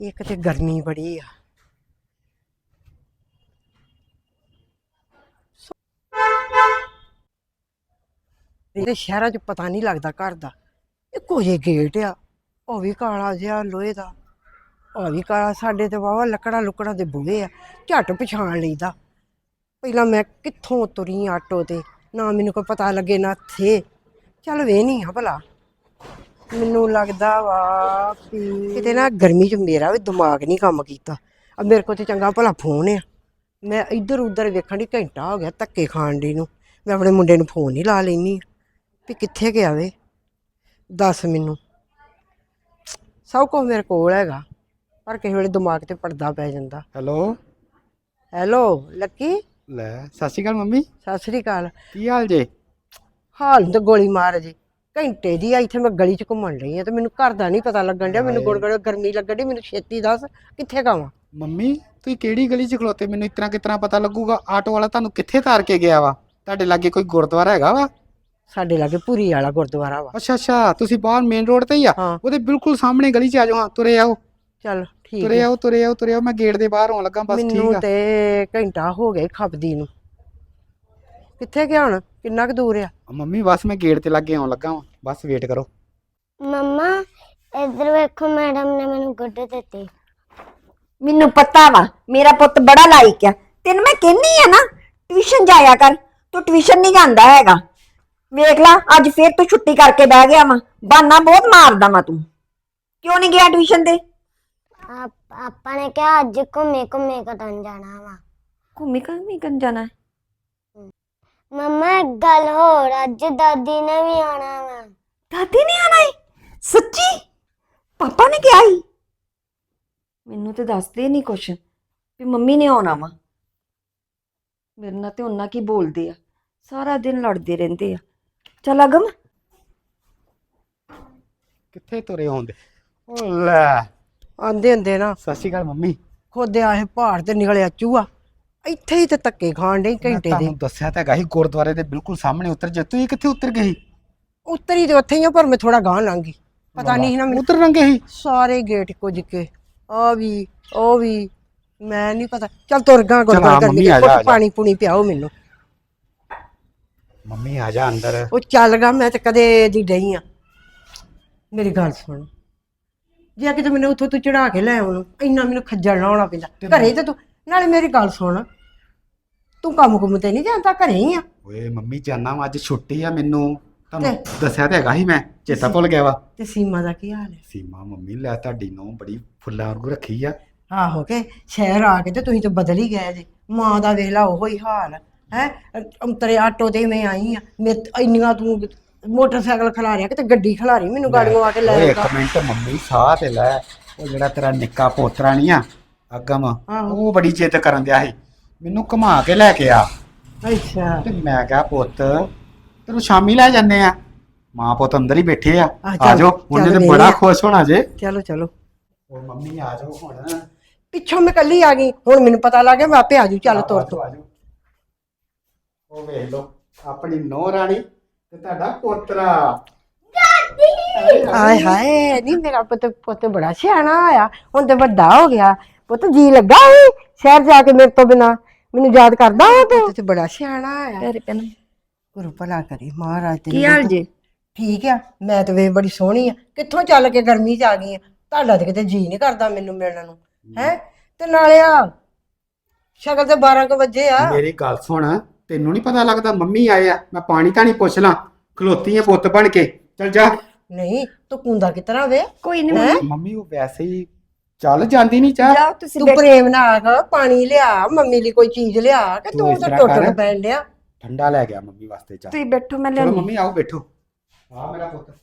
ਇੱਕ ਤੇ ਗਰਮੀ ਬੜੀ ਆ। ਇਹਦੇ ਸ਼ਹਿਰਾਂ 'ਚ ਪਤਾ ਨਹੀਂ ਲੱਗਦਾ ਘਰ ਦਾ। ਇੱਕੋ ਜਿਹੇ ਗੇਟ ਆ, ਉਹ ਵੀ ਕਾਲਾ ਜਿਹਾ ਲੋਹੇ ਦਾ, ਉਹ ਵੀ ਕਾਲਾ। ਸਾਡੇ ਤੇ ਵਾਹਵਾ ਲੱਕੜਾਂ ਲੁੱਕੜਾਂ ਦੇ ਬੂਹੇ ਆ, ਝੱਟ ਪਛਾਣ ਲਈਦਾ। ਪਹਿਲਾਂ ਮੈਂ ਕਿੱਥੋਂ ਤੁਰੀ ਆਟੋ ਤੇ, ਨਾ ਮੈਨੂੰ ਕੋਈ ਪਤਾ ਲੱਗੇ ਨਾ ਥੇ। ਚੱਲ ਵੇਹਨੀ ਆ ਭਲਾ, ਮੈਨੂੰ ਲੱਗਦਾ ਵਾ ਵੀ ਕਿਤੇ ਨਾ ਗਰਮੀ 'ਚ ਮੇਰਾ ਵੀ ਦਿਮਾਗ ਨਹੀਂ ਕੰਮ ਕੀਤਾ। ਮੇਰੇ ਕੋਲ ਤੇ ਚੰਗਾ ਭਲਾ ਫੋਨ ਆ, ਮੈਂ ਇੱਧਰ ਉੱਧਰ ਵੇਖਣ ਦੀ ਘੰਟਾ ਹੋ ਗਿਆ ਧੱਕੇ ਖਾਣ ਦੀ ਨੂੰ। ਮੈਂ ਆਪਣੇ ਮੁੰਡੇ ਨੂੰ ਫੋਨ ਹੀ ਲਾ ਲੈਂਦੀ ਵੀ ਕਿੱਥੇ ਗਿਆ ਵੇ, ਦੱਸ ਮੈਨੂੰ। ਸਭ ਕੁਛ ਮੇਰੇ ਕੋਲ ਹੈਗਾ, ਪਰ ਕਿਸੇ ਵੇਲੇ ਦਿਮਾਗ ਤੇ ਪਰਦਾ ਪੈ ਜਾਂਦਾ। Hello hello Lucky. ਲੈ ਸਤਿ ਸ਼੍ਰੀ ਅਕਾਲ ਮੰਮੀ, ਸਤਿ ਸ੍ਰੀ ਅਕਾਲ। ਕੀ ਹਾਲ ਜੇ? ਹਾਲ ਤਾਂ ਗੋਲੀ ਮਾਰ ਜੀ, ਘੰਟੇ ਦੀ ਆ ਇੱਥੇ ਮੈਂ ਗਲੀ 'ਚ ਘੁੰਮਣ ਰਹੀ ਹਾਂ ਤੇ ਮੈਨੂੰ ਘਰ ਦਾ ਨਹੀਂ ਪਤਾ ਲੱਗਣ ਡਿਆ। ਮੈਨੂੰ ਗੁੜ ਗਰਮੀ ਲੱਗਣ ਡਈ, ਮੈਨੂੰ ਛੇਤੀ ਦੱਸ ਕਿੱਥੇ ਗਾਵਾਂ। ਮੰਮੀ ਤੁਸੀਂ ਕਿਹੜੀ ਗਲੀ 'ਚ ਖਲੋਤੇ? ਮੈਨੂੰ ਇਤਨਾ ਕਿਤਨਾ ਪਤਾ ਲੱਗੂਗਾ? ਆਟੋ ਵਾਲਾ ਤੁਹਾਨੂੰ ਕਿੱਥੇ ਤਾਰ ਕੇ ਗਿਆ ਵਾ? ਤੁਹਾਡੇ ਲਾਗੇ ਕੋਈ ਗੁਰਦੁਆਰਾ ਹੈਗਾ ਵਾ? ਸਾਡੇ ਲਾਗੇ ਭੂਰੀ ਵਾਲਾ ਗੁਰਦੁਆਰਾ ਵਾ। ਅੱਛਾ ਅੱਛਾ, ਤੁਸੀਂ ਬਾਹਰ ਮੇਨ ਰੋਡ ਤੇ ਹੀ ਆ? ਹਾਂ ਉਹਦੇ ਬਿਲਕੁਲ ਸਾਹਮਣੇ ਗਲੀ 'ਚ ਆ ਜਾਓ। ਹਾਂ ਤੁਰੇ ਆਓ, ਚੱਲ ਠੀਕ ਤੁਰੇ ਹੈ। ਆਓ, ਤੁਰੇ ਆਓ, ਤੁਰੇ ਆਓ। ਮੈਂ ਗੇਟ ਦੇ ਬਾਹਰ ਆਉਣ ਲੱਗਾ, ਬਸ ਠੀਕ ਮੈਨੂੰ ਆ। ਤੇ ਘੰਟਾ ਹੋ ਗਿਆ ਖਪਦੀ ਨੂੰ। ਕਿੱਥੇ ਗਿਆ ਹੁਣ, ਕਿੰਨਾ ਕੁ ਦੂਰ ਆ? ਮੰਮੀ ਬਸ ਮੈਂ ਗੇਟ ਤੇ ਲੱਗੇ ਆਉਣ ਲੱਗਾ ਵਾਂ, ਬਸ ਵੇਟ ਕਰੋ। ਮੰਮਾ ਇੱਧਰ ਵੇਖੋ, ਮੈਡਮ ਨੇ ਮੈਨੂੰ ਗੁੱਡ ਦਿੱਤੇ। ਮੈਨੂੰ ਪਤਾ ਵਾ ਮੇਰਾ ਪੁੱਤ ਬੜਾ ਲਾਇਕ ਆ। ਤੈਨੂੰ ਮੈਂ ਕਹਿੰਨੀ ਆ ਨਾ ਟਿਊਸ਼ਨ ਜਾਇਆ ਕਰ, ਤੂੰ ਟਿਊਸ਼ਨ ਨਹੀਂ ਜਾਂਦਾ ਹੈਗਾ। ਵੇਖ ਲਾ ਅੱਜ ਫੇਰ ਤੂੰ ਛੁੱਟੀ ਕਰਕੇ ਬਹਿ ਗਿਆ ਵਾ, ਬਹਾਨਾ ਬਹੁਤ ਮਾਰਦਾ ਵਾ ਤੂੰ। ਕਿਉਂ ਨਹੀਂ ਗਿਆ ਟਿਊਸ਼ਨ ਤੇ? ਆਪਾਂ ਨੇ ਕਿਹਾ ਅੱਜ ਘੁੰਮੇ ਘੁੰਮੇ ਕਟਣ ਜਾਣਾ ਵਾ। ਘੁੰਮੀ ਕਰਨ ਜਾਣਾ? ਮੰਮਾ ਇੱਕ ਗੱਲ ਹੋਰ, ਅੱਜ ਦਾਦੀ ਨੇ ਵੀ ਆਉਣਾ ਵਾ। ਦਾਦੀ ਨੇ ਆਣਾ ਏ? ਸੱਚੀ? ਪਾਪਾ ਨੇ ਕਿਹਾ ਸੀ? ਮੈਨੂੰ ਤੇ ਦੱਸਦੇ ਨਹੀਂ ਕੁਛ ਵੀ ਮੰਮੀ ਨੇ ਆਉਣਾ ਵਾ। ਮੇਰੇ ਨਾਲ ਤੇ ਉਹਨਾਂ ਕੀ ਬੋਲਦੇ ਆ, ਸਾਰਾ ਦਿਨ ਲੜਦੇ ਰਹਿੰਦੇ ਆ। ਚੱਲ ਅਗਮ। ਕਿੱਥੇ ਤੁਰੇ ਆਉਂਦੇ? ਓ ਲੈ ਆਂਦੇ ਹੁੰਦੇ ਨਾ ਸਤਿ ਸ਼੍ਰੀ ਅਕਾਲ ਮੰਮੀ। ਖੋਦੇ ਆਏ ਪਹਾੜ ਤੇ ਨਿਕਲਿਆ ਚੂਹਾ, ਇੱਥੇ ਹੀ ਤੇ ਧੱਕੇ ਖਾਣ ਡਈ ਮੈਂ ਘੰਟੇ ਦੇ। ਤੁਹਾਨੂੰ ਦੱਸਿਆ ਤਾਂ ਹੈਗਾ ਸੀ ਗੁਰਦੁਆਰੇ ਦੇ ਬਿਲਕੁਲ ਸਾਹਮਣੇ ਉਤਰ ਜਾ। ਤੁਸੀਂ ਕਿੱਥੇ ਉਤਰ ਗਏ? ਉੱਤਰੀ ਤੇ ਉੱਥੇ ਹੀ ਆ, ਪਰ ਮੈਂ ਥੋੜਾ ਗਾਂਹ ਲੰਘ ਗਈ। ਪਤਾ ਨਹੀਂ ਸੀ ਨਾ ਮੈਨੂੰ। ਉਤਰ ਰੰਗੇ ਸੀ ਸਾਰੇ ਗੇਟ ਕੁਝ ਕੇ, ਆ ਵੀ ਉਹ ਵੀ, ਮੈਂ ਨਹੀਂ ਪਤਾ। ਚੱਲ ਤੁਰ ਗਾ ਚੱਲ ਆ ਗੁਰਦੁਆਰਾ ਮੰਮੀ, ਕਰਕੇ, ਆ ਜਾ, ਆ ਕੁਛ ਜਾ। ਪਾਣੀ ਪੂਣੀ ਪਿਆਓ ਮੈਨੂੰ। ਮੰਮੀ ਆ ਜਾ ਅੰਦਰ। ਉਹ ਚੱਲ ਗਾ, ਮੈਂ ਤੇ ਕਦੇ ਦੀ ਡਈ ਆ। ਮੇਰੀ ਗੱਲ ਸੁਣ, ਜੇ ਕਿਤੇ ਮੈਨੂੰ ਉੱਥੋਂ ਤੂੰ ਚੜਾ ਕੇ ਲੈ ਆਉਣ, ਇੰਨਾ ਮੈਨੂੰ ਖੱਜਲ ਨਾ ਹੋਣਾ ਪੈਂਦਾ ਘਰੇ ਤੇ ਤੂੰ। ਨਾਲੇ ਮੇਰੀ ਗੱਲ ਸੁਣ, ਤੂੰ ਕੰਮ ਕੁੰਮ ਤੇ ਨਹੀਂ ਜਾਂਦਾ, ਘਰੇ ਹੀ ਆ? ਓਏ ਮੰਮੀ ਜਾਨਾ ਵਾ, ਅੱਜ ਛੁੱਟੀ ਆ ਮੈਨੂੰ। ਤੁਹਾਨੂੰ ਦੱਸਿਆ ਤਾਂ ਹੈਗਾ ਸੀ, ਮੈਂ ਚੇਤਾ ਭੁੱਲ ਗਿਆ ਵਾ। ਤੇ ਸੀਮਾ ਦਾ ਕੀ ਹਾਲ ਹੈ? ਸੀਮਾ ਮੰਮੀ ਲੈ ਤੁਹਾਡੀ ਨੂੰ ਬੜੀ ਫੁੱਲਾਂ ਵਾਂਗੂ ਰੱਖੀ ਆ। ਆਹੋ ਕੇ ਸ਼ਹਿਰ ਆ ਕੇ ਤੇ ਤੁਸੀਂ ਤਾਂ ਬਦਲ ਹੀ ਗਏ ਜੇ। ਮਾਂ ਦਾ ਵੇਖ ਲਾ ਉਹੋ ਹੀ ਹਾਲ ਹੈ। ਅੰਤਰੇ ਆਟੋ ਤੇ ਮੈਂ ਆਈ ਆ, ਮੇਰੇ ਇੰਨੀਆਂ ਤੂੰ ਮੋਟਰਸਾਈਕਲ ਖਿਲਾਰਿਆ, ਕਿਤੇ ਗੱਡੀ ਖਿਲਾਰੀ ਮੈਨੂੰ ਗਾੜੀਆਂ ਆ ਕੇ ਲੈ ਓਏ ਆਉਂਦਾ। ਇੱਕ ਮਿੰਟ ਮੰਮੀ, ਸਾਹ ਤੇ ਲੈ। ਉਹ ਜਿਹੜਾ ਤੇਰਾ ਨਿੱਕਾ ਪੋਤਰਾ ਨਹੀਂ ਆ ਅਗਮ, ਆਹੋ। ਉਹ ਬੜੀ ਜਿੱਦ ਕਰਨ ਦਿਆ ਸੀ, ਮੈਨੂੰ ਘੁਮਾ ਕੇ ਲੈ ਕੇ ਆ। ਅੱਛਾ ਤੇ ਮੈਂ ਕਿਹਾ ਪੁੱਤ ਤੈਨੂੰ ਸ਼ਾਮੀ ਲੈ ਜਾਂਦੇ ਆ। ਮਾਂ ਪੁੱਤ ਅੰਦਰ ਹੀ ਬੈਠੇ ਆ, ਚੱਲ, ਆ ਜਾਓ। ਉਹਨੇ ਚੱਲ ਤੇ ਬੜਾ ਵੇਖ। ਖੁਸ਼ ਹੋਣਾ ਜੇ। ਚਲੋ ਚਲੋ। ਉਹ ਮੰਮੀ ਆ ਜਾਓ ਹੁਣ। ਪਿੱਛੋਂ ਮੈਂ ਕੱਲੀ ਆ ਗਈ, ਹੁਣ ਮੈਨੂੰ ਪਤਾ ਲੱਗ ਗਿਆ ਮੈਂ ਆਪੇ ਆ ਜੂ। ਚੱਲ ਤੁਰ ਤੂੰ। ਆ ਜਾਓ। ਉਹ ਵੇਖ ਲਓ ਆਪਣੀ ਨੂੰਹ ਰਾਣੀ ਤੇ ਤੁਹਾਡਾ ਪੋਤਰਾ। ਹਾਏ ਹਾਏ, ਨਹੀਂ ਮੇਰਾ ਪੁੱਤ ਬੜਾ ਸਿਆਣਾ ਆਇਆ, ਹੁਣ ਤੇ ਵੱਡਾ ਹੋ ਗਿਆ। ਪੁੱਤ ਜੀ ਲੱਗਾ ਸੀ ਸ਼ਹਿਰ ਜਾ ਕੇ ਮੇਰੇ ਤੋਂ ਬਿਨਾ, ਮੈਨੂੰ ਯਾਦ ਕਰਦਾ ਉਹ ਪੁੱਤ ਤੇ ਬੜਾ ਸਿਆਣਾ ਆਇਆ। ਤੇਰੇ ਪੈਨ ਗੁਰੂ ਭਲਾ ਕਰੀ ਮਹਾਰਾਜ ਤੇ। ਕੀ ਹਾਲ ਜੇ? ਠੀਕ ਆ, ਮੈਂ ਤੇ ਵੇ ਬੜੀ ਸੋਹਣੀ ਆ। ਕਿੱਥੋਂ ਚੱਲ ਕੇ ਗਰਮੀ ਚ ਆ ਗਈ ਆ? ਤੁਹਾਡਾ ਤੇ ਕਿਤੇ ਜੀ ਨਹੀਂ ਕਰਦਾ ਮੈਨੂੰ ਮਿਲਣ ਨੂੰ ਹੈ। ਤੇ ਨਾਲੇ ਆ ਸ਼ਕਲ ਤੇ 12 ਕੁ ਵਜੇ ਆ। ਮੇਰੀ ਗੱਲ ਸੁਣ, ਤੈਨੂੰ ਨਹੀਂ ਪਤਾ ਲੱਗਦਾ ਮੰਮੀ ਆਏ ਆ? ਮੈਂ ਪਾਣੀ ਤਾਂ ਨਹੀਂ ਪੁੱਛ ਲਾਂ, ਖਲੋਤੀ ਆ ਪੁੱਤ ਬਣ ਕੇ। ਚੱਲ ਜਾ। ਨਹੀਂ ਤੂੰ ਕੁੰਦਾ ਕਿਤਨਾ ਵੇ? ਕੋਈ ਨਹੀਂ ਮੰਮੀ ਉਹ ਵੈਸੇ ਹੀ ਚੱਲ ਜਾਂਦੀ ਨਹੀਂ ਚਾਹ। ਜਾਓ ਤੁਸੀਂ ਤੂੰ ਪ੍ਰੇਮ ਨਾਲ ਆ, ਪਾਣੀ ਲਿਆ ਮੰਮੀ ਲਈ, ਕੋਈ ਚੀਜ਼ ਲਿਆ ਕਿ ਤੂੰ ਤੂੰ ਇਸ ਤਾਂ ਤਰ੍ਹਾਂ ਟੁੱਟ ਕਰ। ਕੇ ਪੈਣ ਲਿਆ। ਠੰਡਾ ਲੈ ਗਿਆ ਮੰਮੀ ਵਾਸਤੇ ਚਾਹ। ਤੁਸੀਂ ਬੈਠੋ, ਮੈਂ ਚਲੋ ਲਿਆਉਂਦੀ। ਮੰਮੀ ਆਓ ਬੈਠੋ। ਆ ਮੇਰਾ ਪੁੱਤ।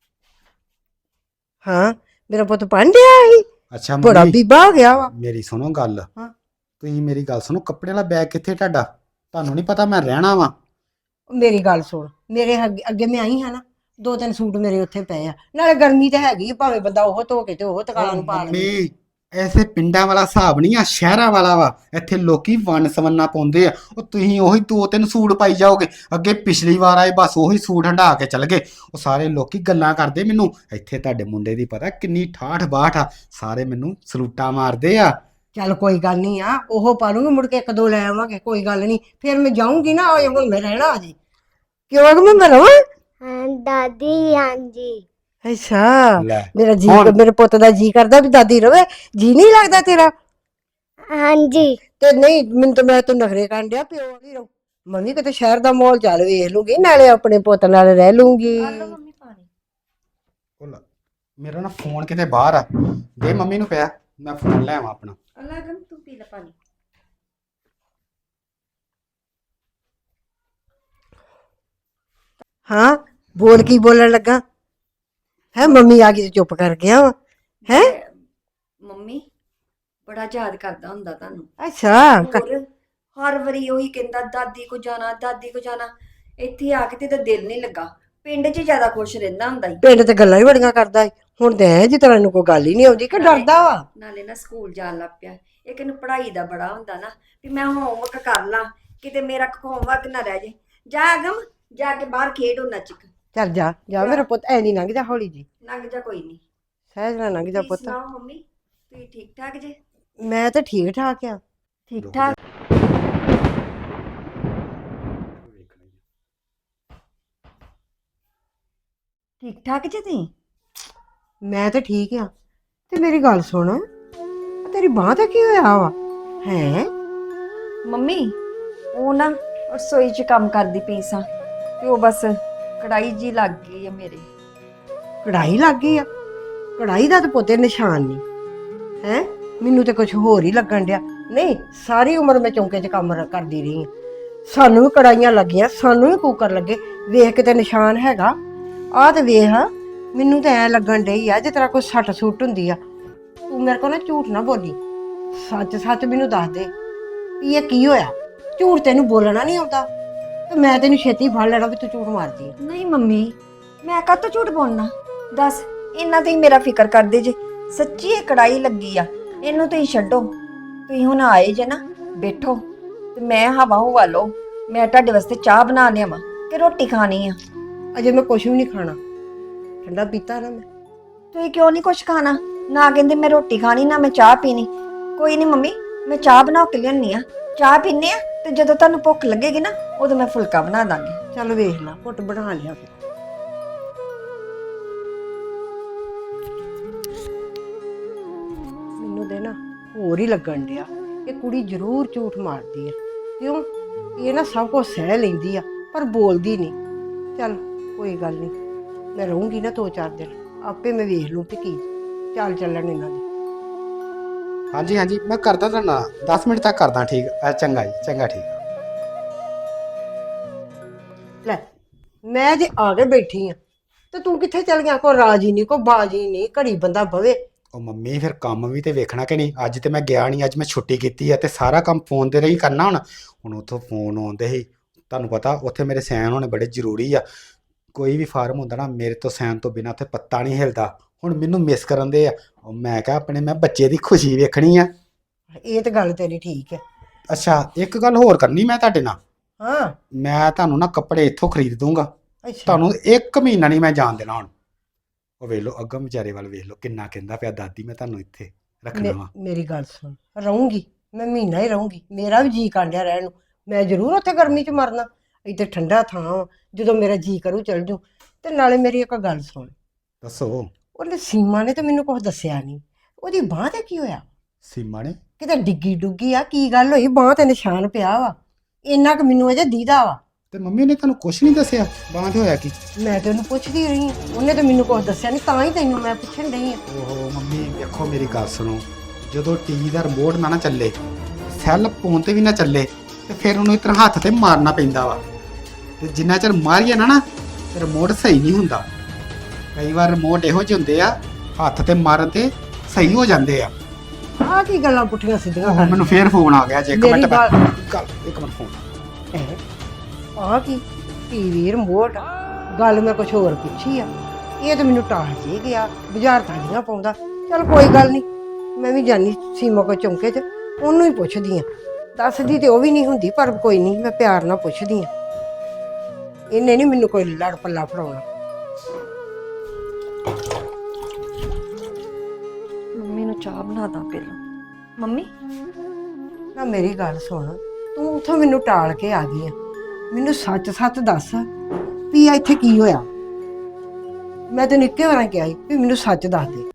ਹਾਂ ਮੇਰਾ ਪੁੱਤ ਪੜ੍ਹਦਿਆ ਸੀ, ਅੱਛਾ ਬੜਾ ਮੰਮੀ ਬੀਬਾ ਹੋ ਗਿਆ ਵਾ। ਮੇਰੀ ਸੁਣੋ ਗੱਲ। ਹਾਂ। ਤੁਸੀਂ ਮੇਰੀ ਗੱਲ ਸੁਣੋ, ਕੱਪੜੇ ਵਾਲਾ ਬੈਗ ਕਿੱਥੇ ਤੁਹਾਡਾ? ਤੁਹਾਨੂੰ ਨਹੀਂ ਪਤਾ ਮੈਂ ਰਹਿਣਾ ਵਾ? ਮੇਰੀ ਗੱਲ ਸੁਣ, ਮੇਰੇ ਅੱਗੇ ਮੈਂ ਆਈ ਹਾਂ ਨਾ, 2-3 ਸੂਟ ਮੇਰੇ ਉੱਥੇ ਪਏ ਆ। ਨਾਲੇ ਗਰਮੀ ਤੇ ਹੈਗੀ ਆ, ਭਾਵੇਂ ਬੰਦਾ ਉਹ ਧੋ ਕੇ ਤੇ ਉਹ ਤਕਾਲਾਂ ਨੂੰ ਪਾ ਲਵੇ। ਮੰਮੀ ਐਸੇ ਪਿੰਡਾਂ ਵਾਲਾ ਹਿਸਾਬ ਨਹੀਂ ਆ, ਸ਼ਹਿਰਾਂ ਵਾਲਾ ਵਾ। ਇੱਥੇ ਲੋਕੀ ਵੰਨ ਸਵੰਨਾ ਪਾਉਂਦੇ ਆ। ਉਹ ਤੁਸੀਂ ਉਹੀ 2-3 ਸੂਟ ਪਾਈ ਜਾਓਗੇ। ਅੱਗੇ ਪਿਛਲੀ ਵਾਰ ਆਏ ਬਸ ਉਹੀ ਸੂਟ ਹੰਢਾ ਕੇ ਚਲ ਗਏ। ਉਹ ਸਾਰੇ ਲੋਕੀ ਗੱਲਾਂ ਕਰਦੇ ਮੈਨੂੰ। ਇੱਥੇ ਤੁਹਾਡੇ ਮੁੰਡੇ ਦੀ ਪਤਾ ਕਿੰਨੀ ਠਾਠ ਬਾਠ ਆ, ਸਾਰੇ ਮੈਨੂੰ ਸਲੂਟਾਂ ਮਾਰਦੇ ਆ। ਚੱਲ ਕੋਈ ਗੱਲ ਨਹੀਂ ਆ, ਉਹ ਪਾ ਲੂੰਗੀ, ਮੁੜ ਕੇ 1-2 ਲੈ ਆਵਾਂਗੇ, ਕੋਈ ਗੱਲ ਨਹੀਂ। ਫਿਰ ਮੈਂ ਜਾਊਂਗੀ ਨਾ, ਉਹ ਹੁਣ ਮੈਂ ਰਹਿਣਾ ਅਜੇ। ਕਿਉਂ ਅਗ ਮੈਂ ਰਵਾਂ? ਹਾਂ ਦਾਦੀ ਹਾਂਜੀ। ਅੱਛਾ, ਲੈ ਮੇਰਾ ਜੀ, ਹੁਣ- ਮੇਰੇ ਪੁੱਤ ਦਾ ਜੀ ਕਰਦਾ ਵੀ ਦਾਦੀ ਰਵੇ। ਜੀ ਨਹੀਂ ਲੱਗਦਾ ਤੇਰਾ? ਹਾਂਜੀ ਤੇ ਨਹੀਂ, ਮੈਨੂੰ ਤਾਂ ਮੈਂ ਤੂੰ ਨਖਰੇ ਕਰਨ ਡਿਆ, ਪਿਓ ਨਹੀਂ ਰਹੂ। ਮੰਮੀ ਕਿਤੇ ਸ਼ਹਿਰ ਦਾ ਮਾਹੌਲ ਚੱਲ ਵੇਖ ਲੂੰਗੀ, ਨਾਲੇ ਆਪਣੇ ਪੁੱਤ ਨਾਲ ਰਹਿ ਲੂੰਗੀ। ਮੰਮੀ ਪਾਣੀ। ਉਹ ਲੈ, ਮੇਰਾ ਨਾ ਫੋਨ ਕਿਤੇ ਬਾਹਰ ਆ, ਦੇ ਮੰਮੀ ਨੂੰ ਪਿਆ, ਮੈਂ ਫੋਨ ਲੈ ਆਵਾਂ ਆਪਣਾ। ਅਗਮ ਤੂੰ ਪੀ ਲੈ ਪਾਣੀ। ਹਾਂ, ਬੋਲ ਕੀ ਬੋਲਣ ਲੱਗਾ ਹੈ? ਮੰਮੀ ਆ ਗਈ ਤੇ ਚੁੱਪ ਕਰ ਗਿਆ ਵਾ ਹੈ? ਮੰਮੀ ਬੜਾ ਯਾਦ ਕਰਦਾ ਹੁੰਦਾ ਤੁਹਾਨੂੰ। ਅੱਛਾ, ਹੋਰ ਹਰ ਵਾਰੀ ਉਹੀ ਕਹਿੰਦਾ ਦਾਦੀ ਕੋ ਜਾਣਾ, ਦਾਦੀ ਕੋ ਜਾਣਾ। ਇੱਥੇ ਆ ਕੇ ਤੇ ਤਾਂ ਦਿਲ ਨਹੀਂ ਲੱਗਾ। ਪਿੰਡ 'ਚ ਜ਼ਿਆਦਾ ਖੁਸ਼ ਰਹਿੰਦਾ ਹੁੰਦਾ ਸੀ। ਪਿੰਡ ਤੇ ਗੱਲਾਂ ਹੀ ਬੜੀਆਂ ਕਰਦਾ ਏ। ਹੁਣ ਤੇ ਐ ਜਿਸ ਤਰ੍ਹਾਂ ਇਹਨੂੰ ਕੋਈ ਗੱਲ ਹੀ ਨਹੀਂ ਆਉਂਦੀ ਕਿ ਡਰਦਾ ਵਾ। ਨਾਲੇ ਨਾ ਸਕੂਲ ਜਾਣ ਲੱਗ ਪਿਆ। ਇੱਕ ਨੂੰ ਪੜ੍ਹਾਈ ਦਾ ਬੜਾ ਹੁੰਦਾ ਨਾ ਵੀ ਮੈਂ ਹੋਮਵਰਕ ਕਰ ਲਾਂ, ਕਿਤੇ ਮੇਰਾ ਹੋਮਵਰਕ ਨਾ ਰਹਿ ਜੇ। ਜਾ ਅਗਮ, ਜਾ ਕੇ ਬਾਹਰ ਖੇਡ ਉਹ ਨੱਚ। ਚੱਲ ਜਾ ਜਾ ਮੇਰਾ ਪੁੱਤ, ਐ ਨਹੀਂ ਲੰਘ ਜਾ, ਹੌਲੀ ਜੀ ਲੰਘ ਜਾ, ਕੋਈ ਨਹੀਂ। ਸਹਿਜ ਨਾਲ ਲੰਘ ਜਾ ਤੁਸੀਂ ਪੁੱਤ। ਸੁਣਾਓ ਮੰਮੀ, ਤੁਸੀਂ ਠੀਕ ਠਾਕ ਜੇ? ਮੈਂ ਤਾਂ ਠੀਕ ਠਾਕ ਆ। ਠੀਕ ਠਾਕ। ਠੀਕ ਠਾਕ ਜੇ ਤੁਸੀਂ? ਮੈਂ ਤਾਂ ਠੀਕ ਆ। ਤੇ ਮੇਰੀ ਗੱਲ ਸੁਣ, ਆਹ ਤੇਰੀ ਬਾਂਹ ਤੇ ਕੀ ਹੋਇਆ ਵਾ ਹੈ? ਮੰਮੀ ਉਹ ਨਾ ਰਸੋਈ 'ਚ ਕੰਮ ਕਰਦੀ ਪਈ ਸਾਂ ਤੇ ਉਹ ਬਸ ਕੜਾਈ ਜੀ ਲੱਗ ਗਈ ਆ ਮੇਰੇ। ਕੜਾਈ ਲੱਗ ਗਈ ਆ? ਕੜਾਈ ਦਾ ਤਾਂ ਪੁੱਤੇ ਨਿਸ਼ਾਨ ਨਹੀਂ ਹੈ। ਮੈਨੂੰ ਤੇ ਕੁਝ ਹੋਰ ਹੀ ਲੱਗਣ ਡਿਆ। ਨਹੀਂ, ਸਾਰੀ ਉਮਰ ਮੈਂ ਚੌਂਕੇ 'ਚ ਕੰਮ ਕਰਦੀ ਰਹੀ ਆ। ਸਾਨੂੰ ਵੀ ਕੜਾਈਆਂ ਲੱਗੀਆਂ, ਸਾਨੂੰ ਵੀ ਕੁੱਕਰ ਲੱਗੇ। ਵੇਖ ਕੇ ਤੇ ਨਿਸ਼ਾਨ ਹੈਗਾ। ਆਹ ਤੇ ਵੇਖ, ਮੈਨੂੰ ਤਾਂ ਐ ਲੱਗਣ ਡਈ ਆ ਜਿਸ ਤਰ੍ਹਾਂ ਕੋਈ ਸੱਟ ਸੁੱਟ ਹੁੰਦੀ ਆ। ਤੂੰ ਮੇਰੇ ਕੋਲ ਨਾ ਝੂਠ ਨਾ ਬੋਲੀ, ਸੱਚ ਸੱਚ ਮੈਨੂੰ ਦੱਸ ਦੇ ਵੀ ਇਹ ਕੀ ਹੋਇਆ। ਝੂਠ ਤੈਨੂੰ ਬੋਲਣਾ ਨਹੀਂ ਆਉਂਦਾ ਤੇ ਮੈਂ ਤੈਨੂੰ ਛੇਤੀ ਫੜ ਲੈਣਾ ਵੀ ਤੂੰ ਝੂਠ ਮਾਰਦੀ ਆ। ਨਹੀਂ ਮੰਮੀ, ਮੈਂ ਕਾਹਤੋਂ ਝੂਠ ਬੋਲਣਾ? ਦੱਸ, ਇੰਨਾ ਤੁਸੀਂ ਮੇਰਾ ਫਿਕਰ ਕਰਦੇ ਜੇ। ਸੱਚੀ ਇਹ ਕੜਾਈ ਲੱਗੀ ਆ, ਇਹਨੂੰ ਤੁਸੀਂ ਛੱਡੋ। ਤੁਸੀਂ ਹੁਣ ਆਏ ਜੇ ਨਾ, ਬੈਠੋ ਤੇ ਮੈਂ ਹਵਾ ਹੁਵਾ ਲਓ। ਮੈਂ ਤੁਹਾਡੇ ਵਾਸਤੇ ਚਾਹ ਬਣਾ ਲਿਆਵਾਂ ਕਿ ਰੋਟੀ ਖਾਣੀ ਆ? ਅਜੇ ਮੈਂ ਕੁਝ ਵੀ ਨਹੀਂ ਖਾਣਾ, ਠੰਡਾ ਪੀਤਾ ਨਾ ਮੈਂ। ਤੁਸੀਂ ਕਿਉਂ ਨਹੀਂ ਕੁਛ ਖਾਣਾ? ਨਾ ਕਹਿੰਦੇ ਮੈਂ ਰੋਟੀ ਖਾਣੀ, ਨਾ ਮੈਂ ਚਾਹ ਪੀਣੀ। ਕੋਈ ਨਹੀਂ ਮੰਮੀ, ਮੈਂ ਚਾਹ ਬਣਾ ਕੇ ਲਿਆਉਣੀ ਆ। ਚਾਹ ਪੀਨੇ ਆ ਤੇ ਜਦੋਂ ਤੁਹਾਨੂੰ ਭੁੱਖ ਲੱਗੇਗੀ ਨਾ, ਉਦੋਂ ਮੈਂ ਫੁਲਕਾ ਬਣਾ ਦਾਂਗੀ। ਚੱਲ ਵੇਖ ਲਾ, ਘੁੱਟ ਬਣਾ ਲਿਆ ਫਿਰ। ਮੈਨੂੰ ਦੇ ਨਾ ਹੋਰ ਹੀ ਲੱਗਣ ਡਿਆ ਇਹ ਕੁੜੀ ਜ਼ਰੂਰ ਝੂਠ ਮਾਰਦੀ ਆ। ਕਿਉਂ? ਇਹ ਨਾ ਸਭ ਕੁਝ ਸਹਿ ਲੈਂਦੀ ਆ ਪਰ ਬੋਲਦੀ ਨਹੀਂ। ਚੱਲ ਕੋਈ ਗੱਲ ਨਹੀਂ, ਮੈਂ ਰਹੂੰਗੀ ਨਾ 2-4 ਦਿਨ, ਆਪੇ ਮੈਂ ਵੇਖ ਲੂੰ ਤੇ ਕੀ ਚੱਲ ਚੱਲਣ ਇਹਨਾਂ ਦੀ। ਹਾਂਜੀ ਹਾਂਜੀ, ਮੈਂ ਕਰਦਾ ਤੁਹਾਨੂੰ 10 ਮਿੰਟ ਤੱਕ ਕਰਦਾ। ਠੀਕ ਚੰਗਾ ਜੀ, ਚੰਗਾ, ਠੀਕ। ਲੈ, ਮੈਂ ਜੇ ਆ ਕੇ ਬੈਠੀ ਆ ਤੇ ਤੂੰ ਕਿੱਥੇ ਚੱਲ ਗਿਆ? ਕੋਈ ਰਾਜੀ ਨਹੀਂ, ਕੋਈ ਬਾਜੀ ਨਹੀਂ, ਘੜੀ ਬੰਦਾ ਬਵੇ। ਉਹ ਮੰਮੀ ਫਿਰ ਕੰਮ ਵੀ ਤੇ ਵੇਖਣਾ ਕਿ ਨਹੀਂ? ਅੱਜ ਤੇ ਮੈਂ ਗਿਆ ਨਹੀਂ, ਅੱਜ ਮੈਂ ਛੁੱਟੀ ਕੀਤੀ ਆ ਤੇ ਸਾਰਾ ਕੰਮ ਫੋਨ ਤੇ ਰਹੀ ਕਰਨਾ। ਹੁਣ ਉੱਥੋਂ ਫੋਨ ਆਉਂਦੇ ਸੀ, ਤੁਹਾਨੂੰ ਪਤਾ ਉੱਥੇ ਮੇਰੇ ਸਾਈਨ ਹੋਣੇ ਬੜੇ ਜ਼ਰੂਰੀ ਆ। ਕੋਈ ਵੀ ਫਾਰਮ ਹੁੰਦਾ ਨਾ, ਮੇਰੇ ਤੋਂ ਸਾਈਨ ਤੋਂ ਬਿਨਾਂ ਉੱਥੇ ਪੱਤਾ ਨਹੀਂ ਹਿਲਦਾ। ਹੁਣ ਮੈਨੂੰ ਮਿਸ ਕਰਨ ਦੇ ਆ। ਉਹ ਮੈਂ ਕਿਹਾ ਆਪਣੇ ਮੈਂ ਬੱਚੇ ਦੀ ਖੁਸ਼ੀ ਵੇਖਣੀ ਆ। ਇਹ ਤੇ ਗੱਲ ਤੇਰੀ ਠੀਕ ਹੈ। ਅੱਛਾ, ਇੱਕ ਗੱਲ ਹੋਰ ਕਰਨੀ ਮੈਂ ਤੁਹਾਡੇ ਨਾਲ। ਹਾਂ, ਮੈਂ ਤੁਹਾਨੂੰ ਨਾ ਕੱਪੜੇ ਇੱਥੋਂ ਖਰੀਦ ਦੂੰਗਾ। ਅੱਛਾ। ਤੁਹਾਨੂੰ 1 ਮਹੀਨਾ ਨਹੀਂ ਮੈਂ ਜਾਣ ਦੇਣਾ। ਹੁਣ ਉਹ ਵੇਖ ਲਓ, ਅੱਗੋਂ ਵਿਚਾਰੇ ਵੱਲ ਵੇਖ ਲਓ, ਕਿੰਨਾ ਕਹਿੰਦਾ ਪਿਆ ਦਾਦੀ ਮੈਂ ਤੁਹਾਨੂੰ ਇੱਥੇ ਰੱਖਣਾ ਵਾ। ਮੇਰੀ ਗੱਲ ਸੁਣ, ਰਹੂੰਗੀ ਮੈਂ ਮਹੀਨਾ ਹੀ ਰਹੂੰਗੀ। ਮੇਰਾ ਵੀ ਜੀ ਕਾਂਡਿਆ ਰਹਿਣ ਨੂੰ। ਮੈਂ ਜ਼ਰੂਰ ਉੱਥੇ ਗਰਮੀ 'ਚ ਮਰਨਾ। ਇੱਥੇ ਠੰਡਾ ਥਾਂ ਵਾ, ਜਦੋਂ ਮੇਰਾ ਜੀ ਕਰੂ ਚੱਲ ਜੂ। ਤੇ ਨਾਲੇ ਮੇਰੀ ਇੱਕ ਗੱਲ ਸੁਣ, ਦੱਸੋ। ਉਹਨੇ ਸੀਮਾ ਨੇ ਤਾਂ ਮੈਨੂੰ ਕੁਝ ਦੱਸਿਆ ਨਹੀਂ। ਉਹਦੀ ਬਾਂਹ ਤੇ ਕੀ ਹੋਇਆ? ਸੀਮਾ ਨੇ? ਕਿਤੇ ਡਿੱਗੀ ਡੁੱਗੀ ਆ? ਕੀ ਗੱਲ ਹੋਈ? ਬਾਂਹ ਤੇ ਨਿਸ਼ਾਨ ਪਿਆ ਵਾ, ਇੰਨਾ ਕੁ ਮੈਨੂੰ ਅਜੇ ਦੀਦਾ ਵਾ। ਤੇ ਮੰਮੀ ਨੇ ਤੁਹਾਨੂੰ ਕੁਝ ਨਹੀਂ ਦੱਸਿਆ ਬਾਂਹ ਤੇ ਹੋਇਆ ਕੀ? ਮੈਂ ਤੇ ਉਹਨੂੰ ਪੁੱਛਦੀ ਰਹੀ ਹਾਂ, ਉਹਨੇ ਤਾਂ ਮੈਨੂੰ ਕੁਝ ਦੱਸਿਆ ਨਹੀਂ, ਤਾਂ ਹੀ ਤੈਨੂੰ ਮੈਂ ਪੁੱਛਣ ਡਈ ਆ। ਓਹੋ ਮੰਮੀ ਵੇਖੋ, ਮੇਰੀ ਗੱਲ ਸੁਣੋ। ਜਦੋਂ ਟੀਵੀ ਦਾ ਰਿਮੋਟ ਨਾ ਚੱਲੇ, ਸੈੱਲ ਫੋਨ ਤੇ ਵੀ ਨਾ ਚੱਲੇ, ਤੇ ਫਿਰ ਉਹਨੂੰ ਇਤਨਾ ਹੱਥ ਤੇ ਮਾਰਨਾ ਪੈਂਦਾ ਵਾ। ਤੇ ਜਿੰਨਾ ਚਿਰ ਮਾਰੀਏ ਨਾ ਤੇ ਰਿਮੋਟ ਸਹੀ ਨਹੀਂ ਹੁੰਦਾ। ਕਈ ਵਾਰ ਰਿਮੋਟ ਇਹੋ ਜਿਹੇ ਹੁੰਦੇ ਆ, ਹੱਥ ਤੇ ਮਾਰਨ ਤੇ ਸਹੀ ਹੋ ਜਾਂਦੇ ਆ। ਆਹ ਕੀ ਗੱਲਾਂ ਪੁੱਠੀਆਂ ਸਿੱਧੀਆਂ ਹੁਣ ਕਰ? ਮੈਨੂੰ ਫੇਰ ਫੋਨ ਆ ਗਿਆ ਜੇ। ਇੱਕ ਮੇਰੀ ਮਿੰਟ ਗੱਲ- ਇੱਕ ਮਿੰਟ ਫੋਨ। ਆਹ ਕੀ ਟੀਵੀ ਰਿਮੋਟ? ਗੱਲ ਮੈਂ ਕੁਝ ਹੋਰ ਪੁੱਛੀ ਆ, ਇਹ ਤਾਂ ਮੈਨੂੰ ਟਾਹ ਜੇ ਗਿਆ, ਬਾਜ਼ਾਰ ਤਾਂੀਆਂ ਪਾਉਂਦਾ। ਚਲ ਕੋਈ ਗੱਲ ਨਹੀਂ, ਮੈਂ ਵੀ ਜਾਨੀ ਸੀਮਾ ਕੋ ਚੌਂਕੇ 'ਚ ਉਹਨੂੰ ਹੀ ਪੁੱਛਦੀ ਆ। ਦੱਸਦੀ ਤੇ ਉਹ ਵੀ ਨਹੀਂ ਹੁੰਦੀ, ਪਰ ਕੋਈ ਨਹੀਂ, ਮੈਂ ਪਿਆਰ ਨਾਲ ਪੁੱਛਦੀ ਆ। ਇਹਨੇ ਨਹੀਂ ਮੈਨੂੰ ਕੋਈ ਲੜ ਪੱਲਾ ਫੜਾਉਣਾ। ਮੰਮੀ ਨੂੰ ਚਾਹ ਬਣਾ ਦਾਂ ਪਹਿਲਾਂ। ਮੰਮੀ ਨਾ ਮੇਰੀ ਗੱਲ ਸੁਣ, ਤੂੰ ਉੱਥੋਂ ਮੈਨੂੰ ਟਾਲ ਕੇ ਆ ਗਈ ਆ। ਮੈਨੂੰ ਸੱਚ ਦੱਸ ਵੀ ਇੱਥੇ ਕੀ ਹੋਇਆ। ਮੈਂ ਤੈਨੂੰ ਇੱਕੇ ਵਾਰਾਂ ਕਿਹਾ ਸੀ ਵੀ ਮੈਨੂੰ ਸੱਚ ਦੱਸ ਦੇ।